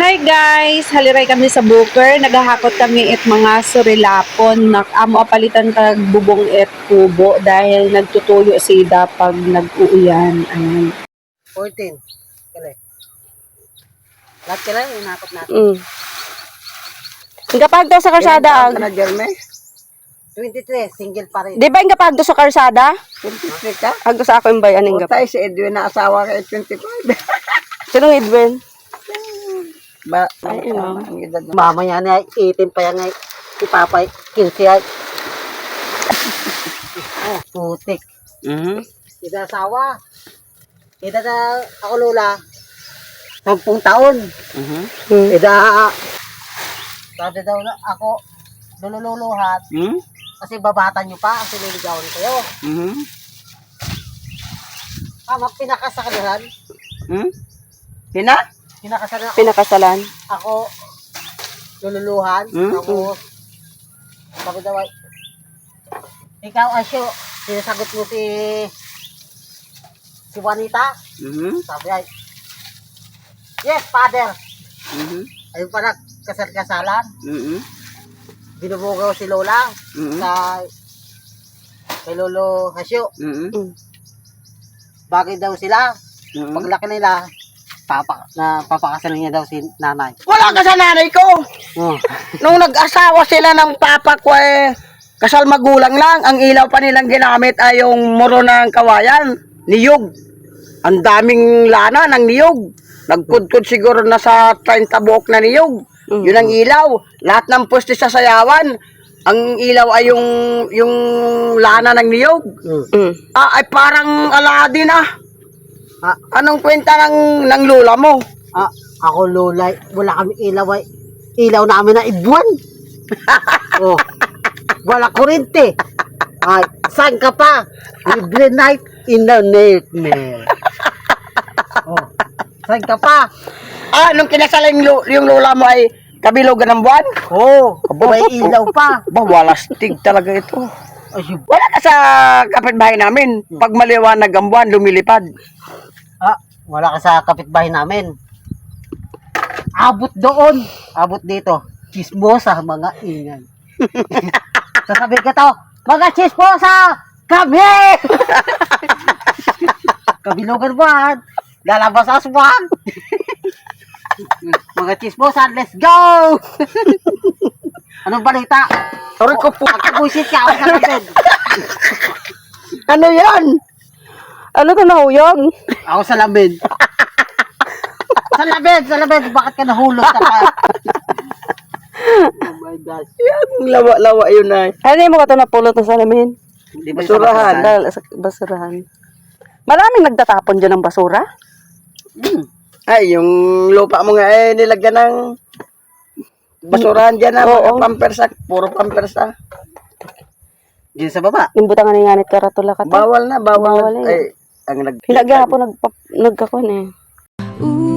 Hi guys! Haliray kami sa Booker. Naghahakot kami it mga surilapon. Amo apalitan tag bubong it kubo dahil nagtutuyo sida pag nag-uuyan. Ayan. 14. Kale. Lahat kala inakot natin. Kapag daw sa karsada ang... Na Jerme? 23, single pa rin. Di ba yung kapag daw sa karsada? 23 ka? Agdo sa ako yung bayan ng Tayo si Edwin na asawa kay 25. Sinong Edwin? Ay, ang edad na. Mamaya na 18 pa yan ay si Papa 15 ay. Oh, putik. Ida asawa. Ida na ako lola. 10 taon. Ida sabi daw na ako lululuhat. Kasi babata nyo pa, kasi liligawan kayo. Pinakasakalahan. Pinakasakalahan. Pinakasalan. Ako lululuhan. Ako sabi daw ay ikaw Asyo, sinasagot mo si Juanita. Sabi ay yes, father. Ayun pa kasal-kasalan. Binubugaw si Lola kay Lolo Hasyo. Bagay daw sila. Paglaki nila, papakasalan niya daw si nanay. Wala ka sa nanay ko. Nung nag-asawa sila ng papa ko kasal magulang lang. Ang ilaw pa nilang ginamit ay yung muro ng kawayan. Niyog. Ang daming lana ng niyog. Nagkudkod siguro na sa 30 buok na niyog. Yun ang ilaw. Lahat ng puste sa sayawan. Ang ilaw ay yung lana ng niyog. Ay parang Aladdin Anong kwenta ng lola mo? Ako Lola, wala kami ilaw ay ilaw namin na ibuwan. Oh, wala kurente. Ay, saan ka pa? Every night in the nightmare. Oh, saan ka pa? Nung kinasal yung lola mo ay kabilogan ng buwan? Oh, may ilaw pa. Walastig talaga ito. Ay, Wala ka sa kapitbahay namin. Pag maliwanag ang buwan, lumilipad. wala ka sa kapitbahay namin. Abot doon. Abot dito. Chismosa, mga ingay. Sasabihin ka to, mga chismosa! Kami! Kabilugan buwan. Lalabas aswang. Mga chismosa, let's go! Anong balita? Sorry ko po. Pagkabuisit ka ako sa labed. Ano yan? Ano ka nahuyog? Ako sa labed. Sa labed. Bakit ka nahulog ka pa? Oh my God. Yan, lawa-lawa yun ay. Ano yung mga ito napulot na salamin? Di ba Basurahan. Dahil sa basurahan. Maraming nagtatapon dyan ng basura. Ay, yung lupa mo nga nilagyan ng basurahan dyan na mga pampersa. Puro pampersa. Diyan sa baba. Yung butangan ng yanit karatula ka to. Bawal na. Bawal na Ay, ang Hinagya po nagkakon eh.